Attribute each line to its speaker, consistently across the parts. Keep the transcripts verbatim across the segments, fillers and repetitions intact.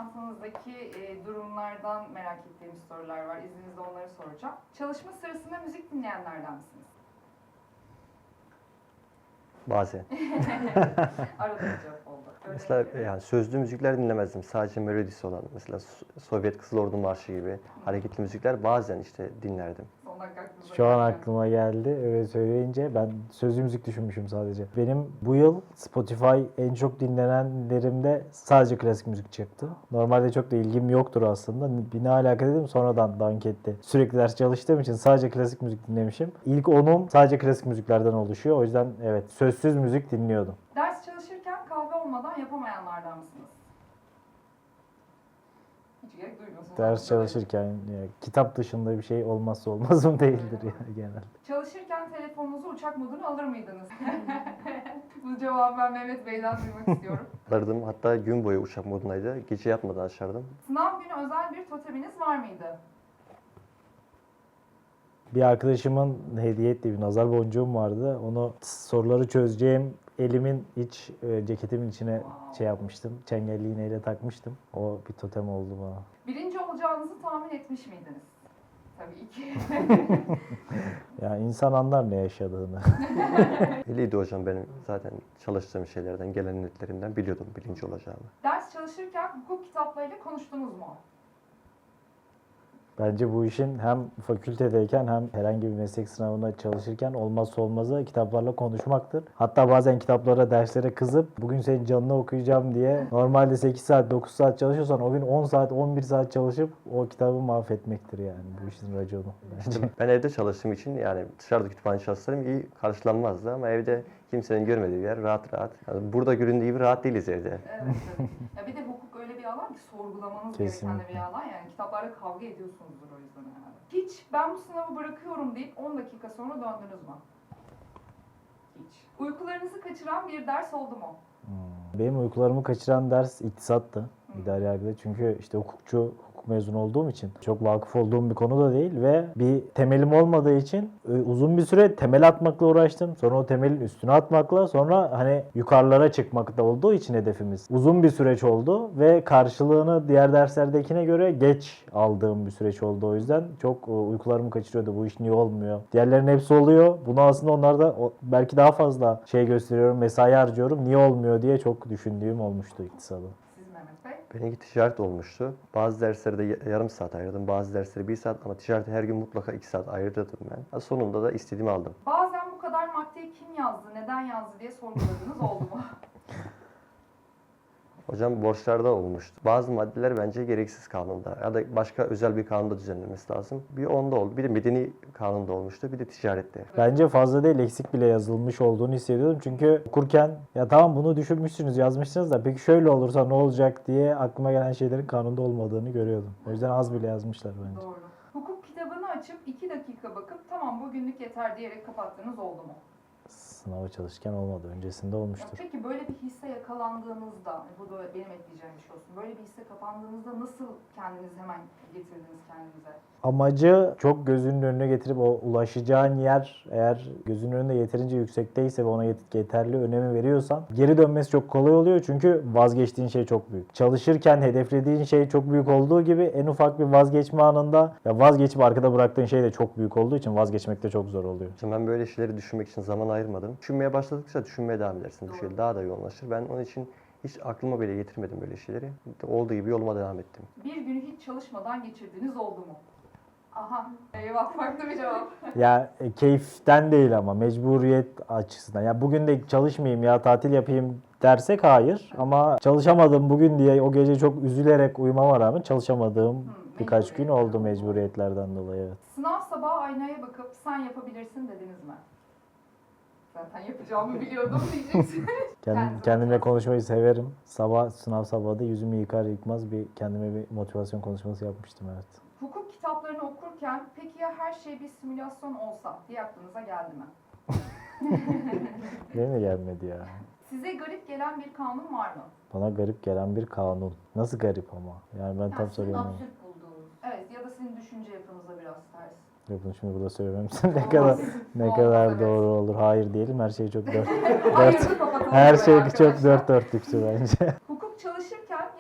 Speaker 1: yaşantınızdaki e, durumlardan merak ettiğim sorular var. İzninizle onları soracağım. Çalışma sırasında müzik dinleyenlerden misiniz?
Speaker 2: Bazen.
Speaker 1: Arada bir cevap oldu. Öyle
Speaker 2: Mesela
Speaker 1: mi?
Speaker 2: yani sözlü müzikler dinlemezdim. Sadece melodisi olan mesela So- Sovyet Kızıl Ordu Marşı gibi hareketli müzikler bazen işte dinlerdim.
Speaker 1: Son dakika aklınıza
Speaker 3: Şu an
Speaker 1: geldi.
Speaker 3: aklıma geldi. Öyle söyleyince ben sözlü müzik düşünmüşüm sadece. Benim bu yıl Spotify en çok dinlenenlerimde sadece klasik müzik çıktı. Normalde çok da ilgim yoktur aslında. Bir ne alaka dedim sonradan dank etti. Sürekli ders çalıştığım için sadece klasik müzik dinlemişim. İlk onum sadece klasik müziklerden oluşuyor. O yüzden evet sözsüz müzik dinliyordum.
Speaker 1: Ders çalışırken kahve olmadan yapamayanlardan mısınız? Hiç gerek duymuyorsunuz.
Speaker 3: Ders çalışırken ya, kitap dışında bir şey olmazsa olmazım değildir ya genelde.
Speaker 1: Çalışırken telefonunuzu uçak moduna alır mıydınız? Bu cevabı ben Mehmet Bey'den duymak istiyorum.
Speaker 2: Alırdım. Hatta gün boyu uçak modundaydı. Gece yatmadan açardım.
Speaker 1: Sınav günü özel bir toteminiz var mıydı?
Speaker 3: Bir arkadaşımın hediye ettiği bir nazar boncuğum vardı. Onu soruları çözeceğim elimin iç e, ceketimin içine şey yapmıştım. Çengelli iğneyle takmıştım. O bir totem oldu bana.
Speaker 1: Birinci olacağınızı tahmin etmiş miydiniz? Tabii ki.
Speaker 3: Ya insan anlar ne yaşadığını.
Speaker 2: Belliydi hocam benim zaten çalıştığım şeylerden, gelen netlerimden biliyordum birinci olacağımı.
Speaker 1: Ders çalışırken hukuk kitaplarıyla konuştunuz mu?
Speaker 3: Bence bu işin hem fakültedeyken hem herhangi bir meslek sınavına çalışırken olmazsa olmazı kitaplarla konuşmaktır. Hatta bazen kitaplara, derslere kızıp bugün senin canını okuyacağım diye normalde sekiz saat, dokuz saat çalışıyorsan o gün on saat, on bir saat çalışıp o kitabı mahvetmektir yani bu işin raconu bence.
Speaker 2: Ben evde çalıştığım için yani dışarıda kütüphane çalışsam iyi karşılanmazdı ama evde kimsenin görmediği bir yer rahat rahat. Yani burada göründüğü gibi rahat değiliz evde.
Speaker 1: Evet, evet. Ya bir de hukuk öyle bir alan ki sorgulamanız gereken de bir alan. Yani kitaplarla kavga ediyorsunuzdur o yüzden herhalde. Hiç ben bu sınavı bırakıyorum deyip on dakika sonra döndünüz mü? Hiç. Uykularınızı kaçıran bir ders oldu mu?
Speaker 3: Hmm. Benim uykularımı kaçıran ders iktisattı. İdari yargıda. Çünkü işte hukukçu, hukuk mezunu olduğum için çok vakıf olduğum bir konu da değil ve bir temelim olmadığı için e, uzun bir süre temel atmakla uğraştım. Sonra o temelin üstüne atmakla sonra hani yukarılara çıkmakta olduğu için hedefimiz. Uzun bir süreç oldu ve karşılığını diğer derslerdekine göre geç aldığım bir süreç oldu. O yüzden çok e, uykularımı kaçırıyordu. Bu iş niye olmuyor? Diğerlerinin hepsi oluyor. Bunu aslında onlarda o- belki daha fazla şey gösteriyorum, mesai harcıyorum. Niye olmuyor diye çok düşündüğüm olmuştu iktisadı.
Speaker 1: Siz Mehmet Bey?
Speaker 2: Benimki ticaret olmuştu. Bazı derslerde ya- yarım saat ayırdım, bazı derslere bir saat ama ticarete her gün mutlaka iki saat ayırırdım ben. Ha, sonunda da istediğimi aldım.
Speaker 1: Bazen bu kadar maddeyi kim yazdı, neden yazdı diye sorguladığınız oldu mu?
Speaker 2: Hocam borçlarda olmuştu. Bazı maddeler bence gereksiz kanunda ya da başka özel bir kanunda düzenlenmesi lazım. Bir onda oldu. Bir de medeni kanunda olmuştu. Bir de ticarette.
Speaker 3: Bence fazla değil eksik bile yazılmış olduğunu hissediyordum. Çünkü okurken ya tamam bunu düşünmüşsünüz yazmışsınız da peki şöyle olursa ne olacak diye aklıma gelen şeylerin kanunda olmadığını görüyordum. O yüzden az bile yazmışlar bence.
Speaker 1: Doğru. Hukuk kitabını açıp iki dakika bakıp tamam bugünlük yeter diyerek kapattığınız oldu mu?
Speaker 3: Sınava çalışırken olmadı. Öncesinde
Speaker 1: Ya
Speaker 3: olmuştur.
Speaker 1: peki böyle bir hisse yakalandığınızda, bu da benim ekleyeceğim bir şey olsun. Böyle bir hisse kapandığınızda nasıl kendinizi hemen getirdiniz kendinize?
Speaker 3: Amacı çok gözünün önüne getirip o ulaşacağın yer eğer gözünün önünde yeterince yüksekteyse ve ona yet- yeterli önemi veriyorsan geri dönmesi çok kolay oluyor çünkü vazgeçtiğin şey çok büyük. Çalışırken hedeflediğin şey çok büyük olduğu gibi en ufak bir vazgeçme anında ya vazgeçip arkada bıraktığın şey de çok büyük olduğu için vazgeçmek de çok zor oluyor.
Speaker 2: Hocam ben böyle şeyleri düşünmek için zaman ayırmadım. Düşünmeye başladıkça düşünmeye devam edersin. Bu şey daha da yoğunlaşır. Ben onun için hiç aklıma bile getirmedim böyle şeyleri. Olduğu gibi yoluma devam ettim.
Speaker 1: Bir günü hiç çalışmadan geçirdiğiniz oldu mu? Aha, eyvah farklı bir cevap.
Speaker 3: Ya e, keyiften değil ama mecburiyet açısından. Ya bugün de çalışmayayım ya tatil yapayım dersek hayır. Ama çalışamadım bugün diye o gece çok üzülerek uyumama rağmen çalışamadığım
Speaker 1: Hmm,
Speaker 3: birkaç gün
Speaker 1: mecburiyet.
Speaker 3: oldu mecburiyetlerden dolayı. Evet.
Speaker 1: Sınav sabahı aynaya bakıp sen yapabilirsin dediniz mi? Zaten yapacağımı biliyordum diyeceksiniz.
Speaker 3: Kendim,
Speaker 1: Kendinize
Speaker 3: kendimle
Speaker 1: motivasyon.
Speaker 3: konuşmayı severim. Sabah sınav sabahı da yüzümü yıkar yıkmaz bir kendime bir motivasyon konuşması yapmıştım evet.
Speaker 1: Hukuk kitaplarını okurken peki ya her şey bir simülasyon olsa diye aklınıza geldi mi?
Speaker 3: Benim de gelmedi ya.
Speaker 1: Size garip gelen bir kanun var mı?
Speaker 3: Bana garip gelen bir kanun. Nasıl garip ama? Yani ben tam
Speaker 1: Yani sizin
Speaker 3: soruyorum.
Speaker 1: absürt bulduğunuz. Evet ya da sizin düşünce yapınıza biraz ters.
Speaker 3: Yok bunu şimdi burada söylemem. ne kadar ne
Speaker 1: Olmaz,
Speaker 3: kadar
Speaker 1: evet.
Speaker 3: doğru olur. Hayır diyelim. Her şey çok dört.
Speaker 1: Hayırlı kapatalım
Speaker 3: Her
Speaker 1: burayı
Speaker 3: şey
Speaker 1: arkadaşlar.
Speaker 3: çok dört dörtlüktü bence.
Speaker 1: Hukuk çalışırken ya bir gün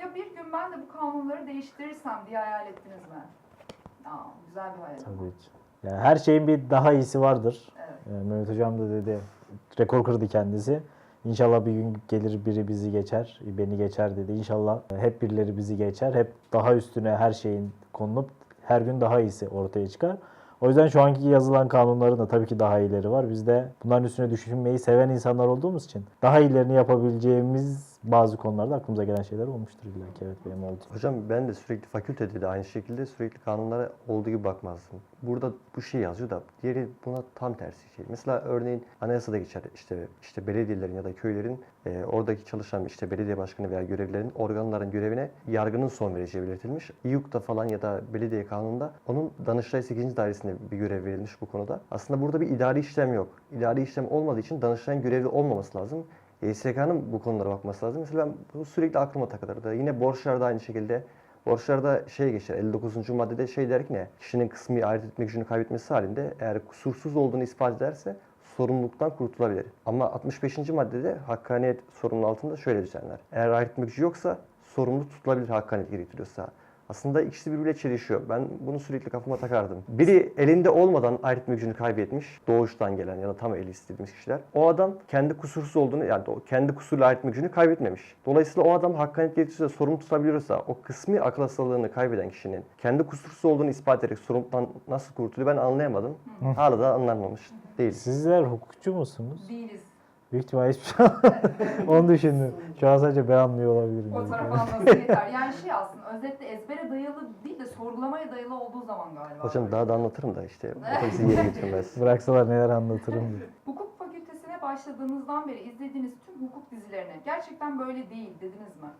Speaker 1: gün ben de bu kanunları değiştirirsem diye hayal ettiniz mi? Aa, güzel bir hayal.
Speaker 3: Tabii ki. Yani her şeyin bir daha iyisi vardır.
Speaker 1: Evet.
Speaker 3: Ee, Mehmet Hocam da dedi, rekor kırdı kendisi. İnşallah bir gün gelir biri bizi geçer, beni geçer dedi. İnşallah hep birileri bizi geçer. Hep daha üstüne her şeyin konulup her gün daha iyisi ortaya çıkar. O yüzden şu anki yazılan kanunların da tabii ki daha iyileri var. Biz de bunların üstüne düşünmeyi seven insanlar olduğumuz için daha iyilerini yapabileceğimiz bazı konularda aklımıza gelen şeyler olmuştur illa ki. Evet, benim oldu.
Speaker 2: Hocam ben de sürekli fakültede de aynı şekilde sürekli kanunlara olduğu gibi bakmazdım. Burada bu şey yazıyor da diğeri buna tam tersi şey. Mesela örneğin anayasada geçer işte işte belediyelerin ya da köylerin e, oradaki çalışan işte belediye başkanı veya görevlilerin organların görevine yargının son vereceği belirtilmiş. İYUK'ta falan ya da belediye kanununda onun Danıştay sekizinci dairesine bir görev verilmiş bu konuda. Aslında burada bir idari işlem yok. İdari işlem olmadığı için Danıştay'ın görevli olmaması lazım. Y S K'nın bu konulara bakması lazım. Mesela ben bu sürekli aklıma takılırdı. Yine borçlarda aynı şekilde. Borçlarda şey geçer, elli dokuzuncu maddede şey der ki ne? Kişinin kısmi ayırt etme gücünü kaybetmesi halinde eğer kusursuz olduğunu ispat ederse sorumluluktan kurtulabilir. Ama altmış beşinci maddede hakkaniyet sorumluluğu altında şöyle düzenler. Eğer ayırt etme gücü yoksa sorumlu tutulabilir hakkaniyet gerektiriyorsa. Aslında ikisi birbiriyle çelişiyor. Ben bunu sürekli kafama takardım. Biri elinde olmadan ayırt etme gücünü kaybetmiş, doğuştan gelen ya da tam eli istilmiş kişiler. O adam kendi kusursuz olduğunu, yani o kendi kusurla ayırt etme gücünü kaybetmemiş. Dolayısıyla o adam hakkaniyet gerektirirse, sorumlu tutabiliyorsa, o kısmi akıl hastalığını kaybeden kişinin kendi kusursuz olduğunu ispat ederek sorumluluktan nasıl kurtuluyor ben anlayamadım. Hala da anlanmamış değil.
Speaker 3: Sizler hukukçu musunuz?
Speaker 1: Değiliz.
Speaker 3: Büyük ihtimalle hiçbir şey onu düşündüm. Şu an sadece ben anlıyor olabilirim.
Speaker 1: O
Speaker 3: Yani.
Speaker 1: taraf anlasın yeter. Yani şey aslında özetle ezbere dayalı değil de sorgulamaya dayalı olduğu zaman galiba.
Speaker 2: Hocam daha da anlatırım da işte otobüsü yere getirmez.
Speaker 3: Bıraksalar neler anlatırım diye.
Speaker 1: Hukuk fakültesine başladığınızdan beri izlediğiniz tüm hukuk dizilerine gerçekten böyle değil dediniz mi?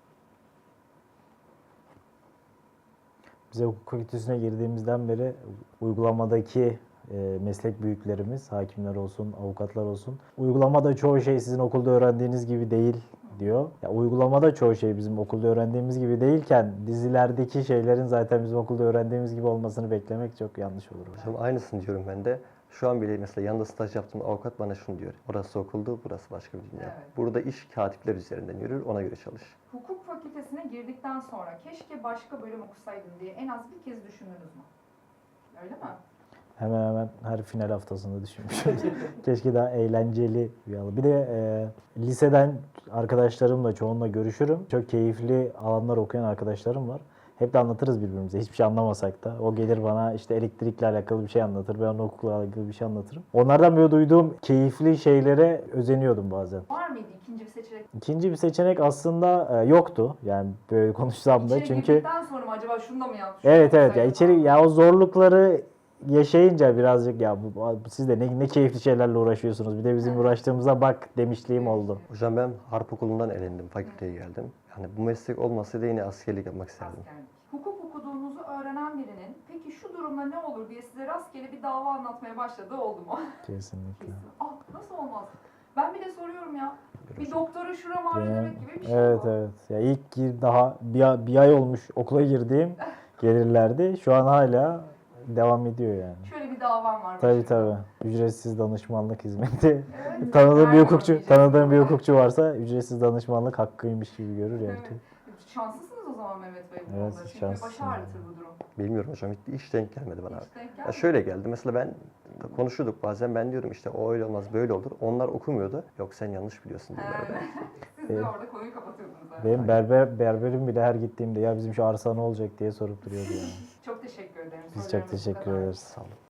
Speaker 3: Bize hukuk fakültesine girdiğimizden beri uygulamadaki e, meslek büyüklerimiz, hakimler olsun, avukatlar olsun, uygulamada çoğu şey sizin okulda öğrendiğiniz gibi değil diyor. Ya, uygulamada çoğu şey bizim okulda öğrendiğimiz gibi değilken dizilerdeki şeylerin zaten bizim okulda öğrendiğimiz gibi olmasını beklemek çok yanlış olur.
Speaker 2: Hocam aynısını diyorum ben de. Şu an bile mesela yanında staj yaptığım avukat bana şunu diyor. Orası okuldu, burası başka bir dünya.
Speaker 1: Evet.
Speaker 2: Burada iş katipler üzerinden yürür, ona göre çalış.
Speaker 1: Hukuk fakültesine girdikten sonra keşke başka bölüm okusaydım diye en az bir kez düşündünüz mü? Öyle mi?
Speaker 3: Hemen hemen her final haftasında düşünmüşüm. Keşke daha eğlenceli bir alan. Bir de e, liseden arkadaşlarımla çoğunla görüşürüm. Çok keyifli alanlar okuyan arkadaşlarım var. Hep de anlatırız birbirimize. Hiçbir şey anlamasak da. O gelir bana işte elektrikle alakalı bir şey anlatır. Ben ona hukukla alakalı bir şey anlatırım. Onlardan böyle duyduğum keyifli şeylere özeniyordum bazen.
Speaker 1: Var mıydı ikinci bir seçenek?
Speaker 3: İkinci bir seçenek aslında e, yoktu. Yani böyle konuşsam da
Speaker 1: İçeri
Speaker 3: çünkü
Speaker 1: girdikten sonra mı acaba şunu da mı yapmış?
Speaker 3: evet evet ya içeri ya o zorlukları yaşayınca birazcık ya bu, bu- siz de ne, ne keyifli şeylerle uğraşıyorsunuz. Bir de bizim uğraştığımıza bak demişliğim oldu.
Speaker 2: Hocam ben harp okulundan elendim, fakülteye geldim. Yani bu meslek olmasaydı yine askerlik yapmak isterdim.
Speaker 1: Askerlik. Hukuk okuduğunuzu öğrenen birinin peki şu durumda ne olur diye size rastgele bir dava anlatmaya başladığı oldu mu?
Speaker 3: Kesinlikle.
Speaker 1: Ah nasıl olmaz? Ben bir de soruyorum ya. Bir doktora şuram ağrıyor
Speaker 3: Benim-
Speaker 1: demek gibi bir şey
Speaker 3: Evet
Speaker 1: bu.
Speaker 3: evet. Ya ilk gir daha bir, bir ay olmuş okula girdiğim gelirlerdi. Şu an hala devam ediyor yani.
Speaker 1: Şöyle bir davam var.
Speaker 3: Tabii
Speaker 1: başımda.
Speaker 3: tabii. Ücretsiz danışmanlık hizmeti.
Speaker 1: Evet.
Speaker 3: Tanıdığım bir
Speaker 1: Vermiyorum
Speaker 3: hukukçu,
Speaker 1: diyeceksin
Speaker 3: tanıdığım bir
Speaker 1: ama.
Speaker 3: hukukçu varsa ücretsiz danışmanlık hakkıymış gibi görür yani.
Speaker 1: Evet. Şanslısınız o zaman Mehmet Bey bu
Speaker 3: Evet,
Speaker 1: konuda. Çünkü
Speaker 3: şanslısın
Speaker 1: başı ağrıtır bu durum.
Speaker 2: Bilmiyorum hocam, hiç, hiç denk gelmedi bana.
Speaker 1: Hiç denk
Speaker 2: Ya
Speaker 1: gelmedi.
Speaker 2: şöyle geldi, mesela ben konuşuyorduk bazen, ben diyorum işte o öyle olmaz böyle olur. Onlar okumuyordu. Yok sen yanlış biliyorsun diyorlardı.
Speaker 1: Evet. Siz de orada konuyu kapatıyordunuz. Evet.
Speaker 3: Benim berber berberim bile her gittiğimde ya bizim şu arsa ne olacak diye sorup duruyordu yani.
Speaker 1: Çok teşekkür ederim.
Speaker 3: Biz çok
Speaker 1: Sorularımız bu
Speaker 3: teşekkür
Speaker 1: kadar.
Speaker 3: ederiz.
Speaker 2: Sağ olun.